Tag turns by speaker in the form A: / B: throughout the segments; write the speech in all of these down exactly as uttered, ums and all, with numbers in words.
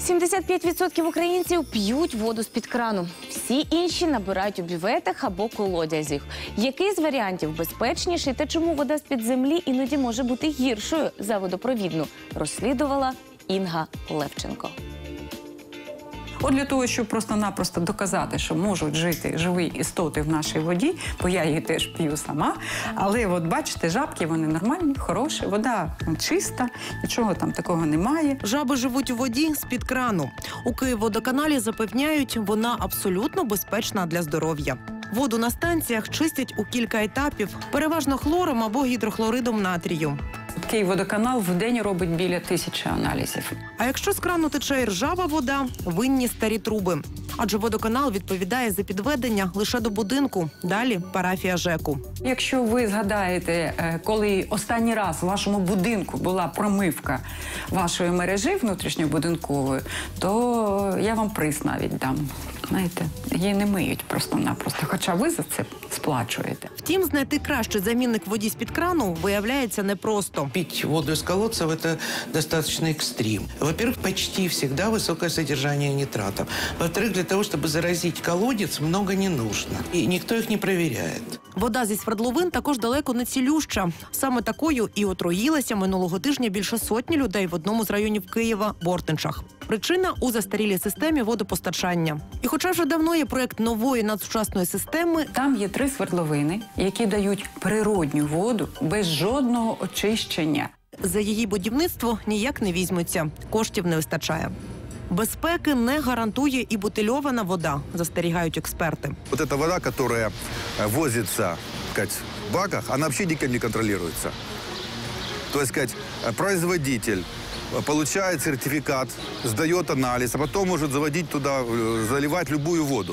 A: сімдесят п'ять відсотків українців п'ють воду з-під крану. Всі інші набирають у бюветах або колодязях. Який з варіантів безпечніший та чому вода з-під землі іноді може бути гіршою за водопровідну, розслідувала Інга Левченко.
B: От для того, щоб просто-напросто доказати, що можуть жити живі істоти в нашій воді, бо я її теж п'ю сама, але от бачите, жабки, вони нормальні, хороші, вода чиста, нічого там такого немає.
C: Жаби живуть у воді з-під крану. У Київводоканалі запевняють, вона абсолютно безпечна для здоров'я. Воду на станціях чистять у кілька етапів, переважно хлором або гідрохлоридом натрію.
B: Київводоканал в день робить біля тисячі аналізів.
C: А якщо з крану тече ржава вода, винні старі труби. Адже водоканал відповідає за підведення лише до будинку, далі парафія ЖЕКу.
B: Якщо ви згадаєте, коли останній раз в вашому будинку була промивка вашої мережі внутрішньобудинкової, то я вам приз навіть дам. Знаєте, її не миють просто-напросто, хоча ви за це сплачуєте.
C: Втім, знайти кращий замінник воді з-під крану виявляється непросто.
D: Пить воду из колодцев – это достаточно экстрим. Во-первых, почти всегда высокое содержание нитратов. Во-вторых, для того, чтобы заразить колодец, много не нужно. И никто их не проверяет.
C: Вода зі свердловин також далеко не цілюща. Саме такою і отруїлася минулого тижня більше сотні людей в одному з районів Києва – Бортничах. Причина – у застарілій системі водопостачання. І хоча вже давно є проєкт нової надсучасної системи,
B: там є три свердловини, які дають природню воду без жодного очищення.
C: За її будівництво ніяк не візьмуться, коштів не вистачає. Безпеки не гарантує і бутильована вода, застерігають експерти.
E: Вот эта вода, которая возится, сказать, в баках, она вообще никем не контролируется. То есть, сказать, производитель получает сертификат, сдает анализ, а потом может заводить туда, заливать любую воду.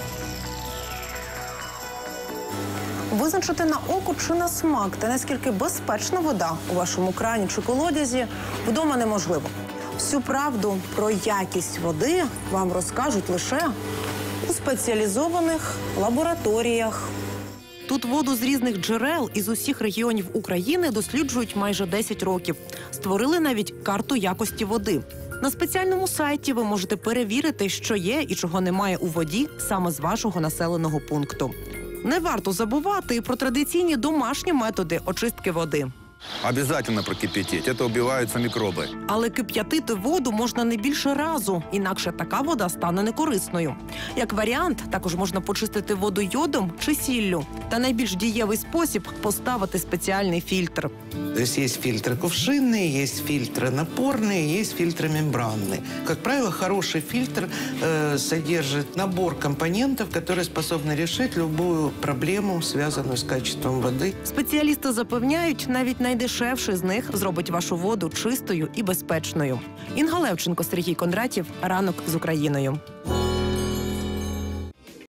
C: Визначити на око чи на смак, та наскільки безпечна вода у вашому крані чи колодязі, вдома неможливо. Всю правду про якість води вам розкажуть лише у спеціалізованих лабораторіях. Тут воду з різних джерел із усіх регіонів України досліджують майже десять років. Створили навіть карту якості води. На спеціальному сайті ви можете перевірити, що є і чого немає у воді саме з вашого населеного пункту. Не варто забувати і про традиційні домашні методи очистки води.
E: Обязательно прокипятить, это убиваются микробы.
C: Але кип'ятити воду можна не більше разу, інакше така вода стане некорисною. Як варіант, також можна почистити воду йодом чи сіллю. Та найбільш дієвий спосіб – поставити спеціальний фільтр.
D: То есть есть фильтры кувшинные, есть фильтры напорные, есть фильтры мембранные. Как правило, хороший фильтр э, содержит набор компонентов, которые способны решить любую проблему, связанную с качеством воды.
C: Спеціалісти запевняють, навіть найдешевший з них зробить вашу воду чистою і безпечною. Інга Левченко, Сергій Кондратів. Ранок з Україною.